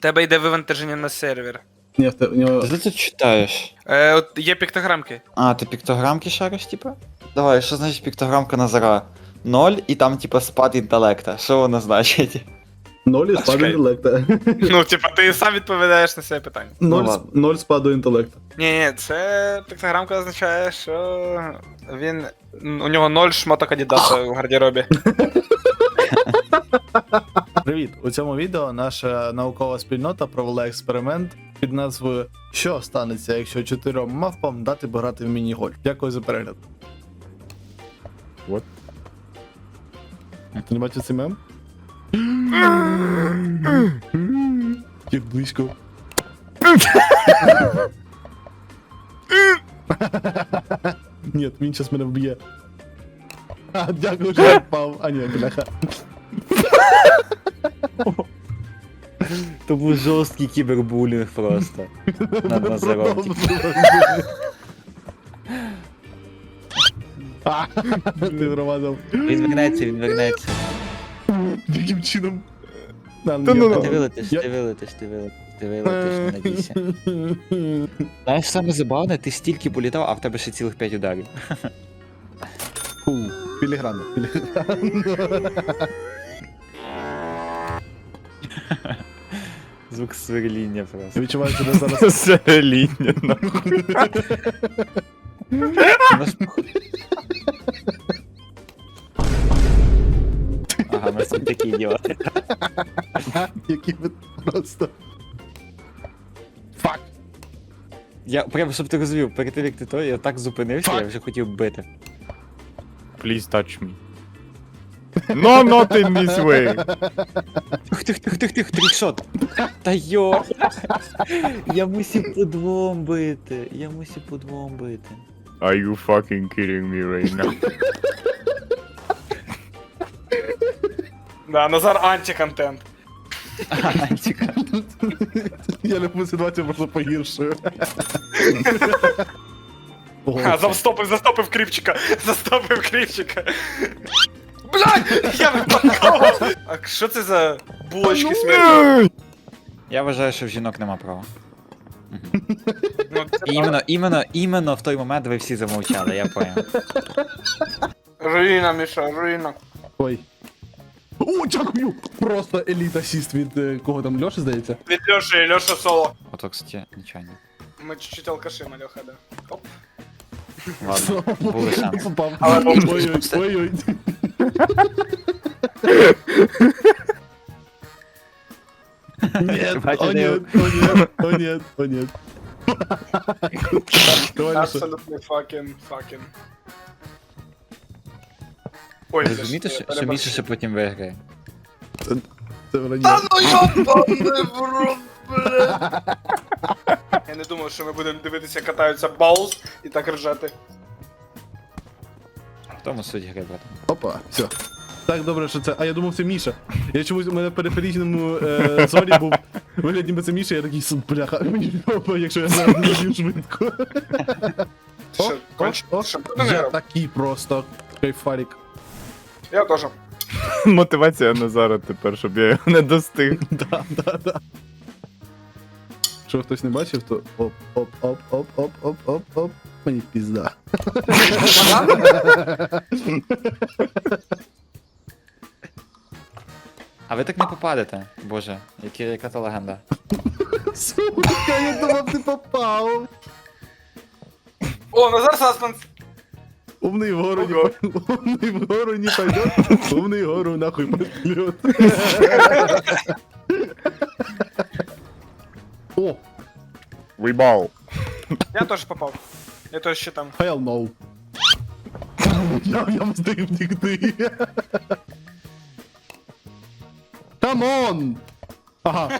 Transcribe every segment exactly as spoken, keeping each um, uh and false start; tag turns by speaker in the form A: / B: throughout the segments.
A: Тебе йде вивантаження на сервер.
B: Ні, в те- у нього...
C: Ти що ти читаєш?
A: Е, от є піктограмки.
C: А, ти піктограмки шариш, типа? Давай, що значить піктограмка Назара? Ноль і там, типа, спад інтелекта. Що воно значить?
B: Ноль і
A: А,
B: спаду
A: чекай.
B: інтелекта.
A: Ну, типа, ти сам відповідаєш на це питання.
B: Ноль,
C: ладно.
B: с- ноль спаду інтелекта.
A: Ні, ні, це піктограмка означає, що він. У нього ноль шмоток Адідаса в гардеробі.
B: Привіт! У цьому відео наша наукова спільнота провела експеримент під назвою «Що станеться, якщо чотирьом мавпам дати пограти в міні-гольф?» Дякую за перегляд. What? Ти не бачив цей мем? Як близько. Ні, він зараз мене вб'є. А, дякую, що я впав. А ні, бляха.
C: То був жорсткий кібербулінг просто. Над Назаром.
B: А, Ти вромазав.
C: Він вернеться, він вернеться.
B: Яким чином?
C: Та
B: ну
C: ти вилетиш, ти вилетиш, ти вилетиш, ти вилетиш, не надійся. Знаєш, саме забавне, ти стільки політав, а в тебе ще цілих п'ять ударів.
B: Фу, філігранно, філігранно.
C: Звук сверління просто.
B: Я відчуваю, що ми зараз...
C: Сверління, нахуй. Ага, ми всі такі ідіоти.
B: Які ви просто... Фак!
C: Я прямо, щоб ти розумів, перед тим як ти то, я так зупинився, я
B: Fuck.
C: вже хотів бити.
D: Please touch me. No, not in this way.
C: Тих, тих, тих, тих, тих, трикшот. Та йо. Я мусив по двом бити. Я мусив по двом бити.
D: Are you fucking kidding me right now?
A: Да, Назар антиконтент.
C: Антика.
B: Я любу ситуацію просто погіршую.
A: А, застопив, застопив кріпчика. Застопив кріпчика. Блядь! Я випадково! А що це за булочки смерті?
C: Я вважаю, що в жінок нема права.
A: Ну, це
C: Іменно, іменно, іменно в той момент ви всі замовчали, я понял.
A: руїна, Міша, руїна.
B: Ой. О, дякую! Просто еліт асіст від е, кого там, Льоші, здається?
A: Від Льоші, Льоша соло.
C: Ото, кстати, нічого не.
A: Ми чуть-чуть алкаши, Мальоха, да. Оп.
C: Ладно, були шанси.
B: Попав.
A: Але був-
B: Ой-ой, ой-ой. Нет,
C: Бачите,
B: о
C: я-
B: нет, о нет, о нет, о нет. Давай, Леша.
A: Абсолютно fucking, fucking. Ой,
C: Ви розумієте, що, що Міша ще потім виграє?
B: Це вранье.
A: ну йобаний в рот, бля. Я не думав, що ми будемо дивитися, як катаються Баус і так ржати.
C: В тому суть гри, брат.
B: Опа, все. Так, добре, що це. А я думав, це Міша. Я чомусь у мене в периферійному е, зорі був вигляд, ніби це Міша, я такий «Су, бляха, мені опа, якщо я зараз не б'ю швидко.
A: Ти
B: О,
A: що, конч?
B: о,
A: Ти що, ти
B: о,
A: не
B: я
A: грав?
B: такий просто кайфарик.
A: Я теж.
D: Мотивація Назара тепер, щоб я його не достиг.
B: Да, да, да. Якщо хтось не бачив, то оп, оп, оп, оп, оп, оп, оп, оп. Мені пізда.
C: А ви так не попадете, боже, які, яка то легенда.
B: Сука, я думав, ти попав.
A: О, Назар Саспенс!
B: Умный вгору не
A: Ого.
B: пойдет. Умный вгору не пойдет. Умный вгору нахуй пошлет. О,
D: Вибав.
A: Я теж попав. Я теж ще там.
B: hell no. Я, я встиг втекти. Come on! Ага.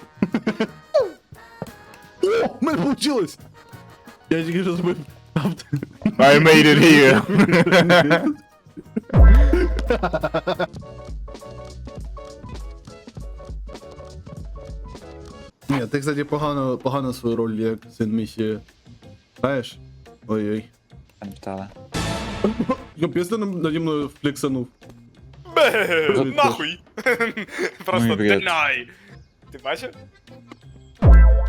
B: О, у мене получилось! Я тільки що зробив.
D: I made it here.
B: Ні, ти, кстати, погано, погано свою роль як син місії. Знаєш? Ой-ой.
C: Пам'ятали.
B: Капець ти нам- наді мною флексанув.
A: Бе, нахуй! Просто
C: Ну і бред.
A: deny! Ти бачив?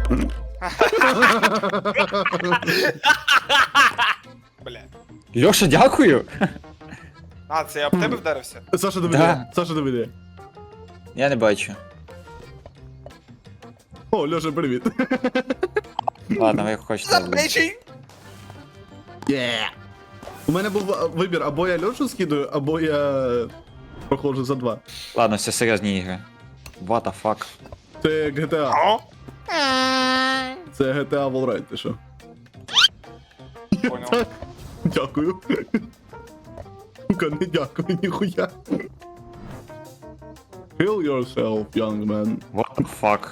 A: Бля.
C: Льоша, дякую!
A: А, це я об тебе вдарився?
B: Саша доведе,
C: Да.
B: Саша доведе.
C: Я не бачу.
B: О, Льоша, привіт.
C: Ладно, ви хочете.
A: Бейчий!
B: Yeah. У мене був а, вибір, або я Льошу скидаю, або я проходжу за два.
C: Ладно, все серйозні ігри. What the fuck?
B: Це джі ті ей.
A: О,
B: Це джі ті ей Wallride, ти що?
A: понял.
B: Дякую. Сука, не дякую, ніхуя. Kill yourself, young man.
C: What the fuck?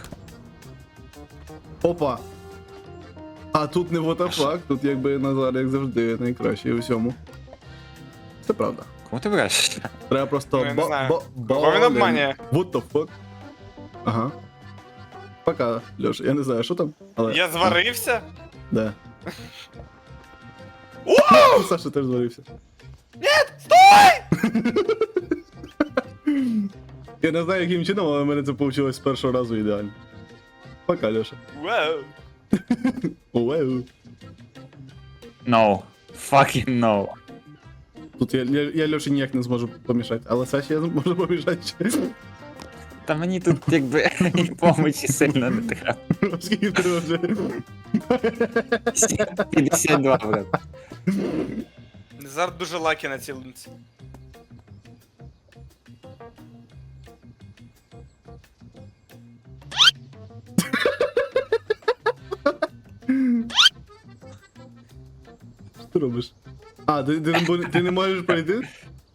B: Опа. А тут не what the fuck, тут якби Назар, як завжди, найкращий у всьому. Це правда.
C: Кому ти береш?
B: Треба просто
A: Ну, я не
B: ба-
A: знаю.
B: ба-
A: Кого він
B: бален.
A: обманює?
B: What the fuck? Ага. Пока, Льоша, я не знаю, що там, але...
A: Я зварився?
B: Да. Саша теж зварився.
A: Нет, стой!
B: Я не знаю, яким чином, але в мене це вийшло з першого разу ідеально. Пока, Льоша.
A: Вау.
B: Уеу.
C: No. Fucking no.
B: Тут я, я, я Льоші ніяк не зможу помішати, але Саші я зможу помішати ще.
C: Та мені тут якби помочі сильно не треба.
B: Скільки треба вже?
C: п'ятдесят два, брат.
A: Назар дуже лакі на цій лунці.
B: Що ти робиш? А, ти, ти, не бу- ти не можеш пройти?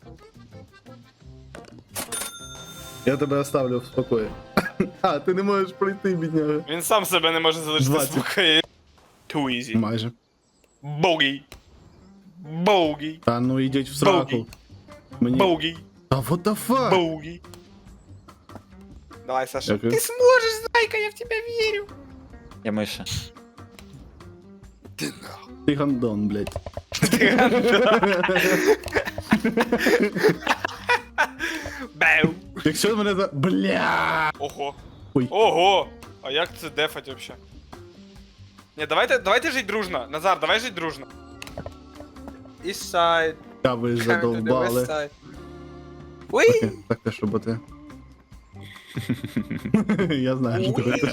B: Я тебе оставлю в спокої. А, ти не можеш пройти, бідняга.
A: Він сам себе не може залишити
B: двадцять.
A: спокою. Too easy.
B: Майже.
A: Богі. Богі.
B: Та ну йдіть в сраку. Мені...
A: Богі.
B: Та what the fuck?
A: Богі. Давай, Саша.
B: Дякую.
A: Ти зможеш, зайка, я в тебе вірю.
C: Я миша.
B: Ти гандон, блядь.
A: Беу.
B: Якщо мене за... Бля!
A: Ого.
B: Ой.
A: Ого. А як це дефать вообще? Не, давайте, давайте жить дружно. Назар, давай жить дружно. East side.
B: Та ви ж
A: West
B: задовбали.
A: side. Уй!
B: Окей, так теж роботи. Я знаю, що ти робиш.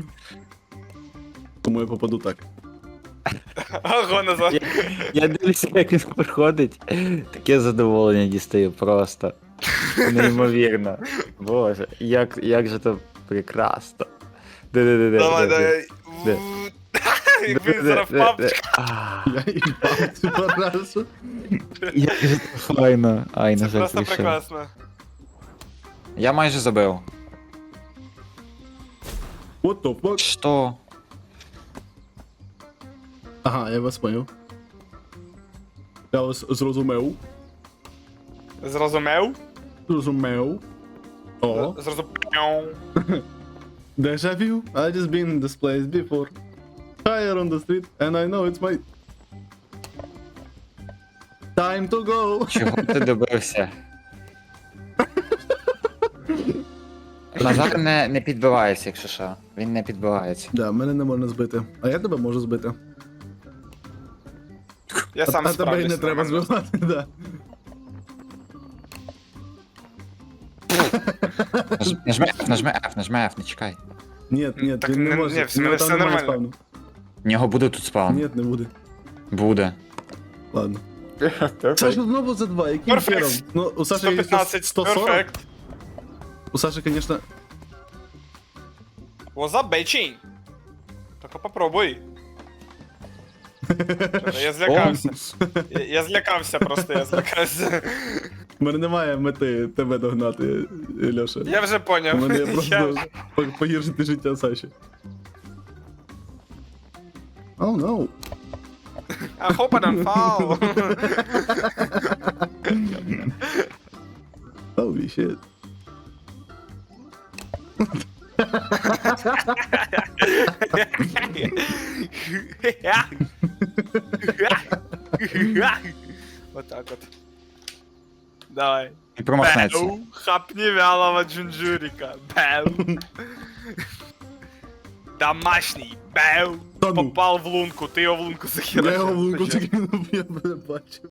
B: Тому я попаду так.
A: Ого, Назар.
C: Я, я дивлюся, як він проходить. Таке задоволення дістаю просто. Неймовірно. Боже, як, як же то прекрасно. Де-де-де-де.
A: Давай,
C: де-де.
A: давай.
C: Де?
A: Якби зараз впав.
C: А,
B: Я їбав цю парашу.
C: Як же то файно. Ай, на
A: Це
C: жаль,
A: просто
C: прийшов.
A: прекрасно.
C: Я майже забив.
B: What the fuck?
C: Що?
B: Ага, я вас поняв. Я вас зрозумів.
A: Зрозумів?
B: Зрозумів. О.
A: Зрозумів.
B: Deja vu. I just been in this place before. Higher on the street, and I know it's my time to go.
C: Чого ти добився? Назар не, не підбивається, якщо що. Він не підбивається.
B: Да, мене не можна збити. А я тебе можу збити.
A: Я
B: А,
A: сам
B: а тебе і не
A: справлюсь.
B: треба
A: нормально.
B: збивати, да.
C: Наж- Нажми F, нажми F, нажми F, не чекай.
B: Ні, ні,
A: Так
B: він не
A: не-
B: може.
A: ні, все-
B: У нього
A: все
B: там немає
A: нормально.
B: спавну.
C: В нього буде тут спаун.
B: Ні, не буде.
C: Буде.
B: Ладно. Саша знову за два, яким
A: Перфект.
B: хером? Ну, у Саші
A: сто
B: є
A: пятнадцать,
B: сто сорок.
A: перфект.
B: У Саші, звісно,
A: What's up, bitchy? Только попробуй. Чё-то Я злякався. Я, я злякався просто, я злякався.
B: в мене немає мети тебе догнати, Льоша.
A: Я вже
B: У
A: поняв.
B: мене є
A: Я
B: просто
A: вже-
B: по- погіршити життя Саші. Oh no.
A: I hope I don't fall.
B: Holy shit.
A: Вот так вот. Давай.
C: І промахнеться.
A: Бэу, хапни вялого джунджурика. Бэу. Домашній. Бэу.
B: Та ну.
A: Попав в лунку, ти його в лунку захерачив.
B: Я його в лунку закинув, я бачив.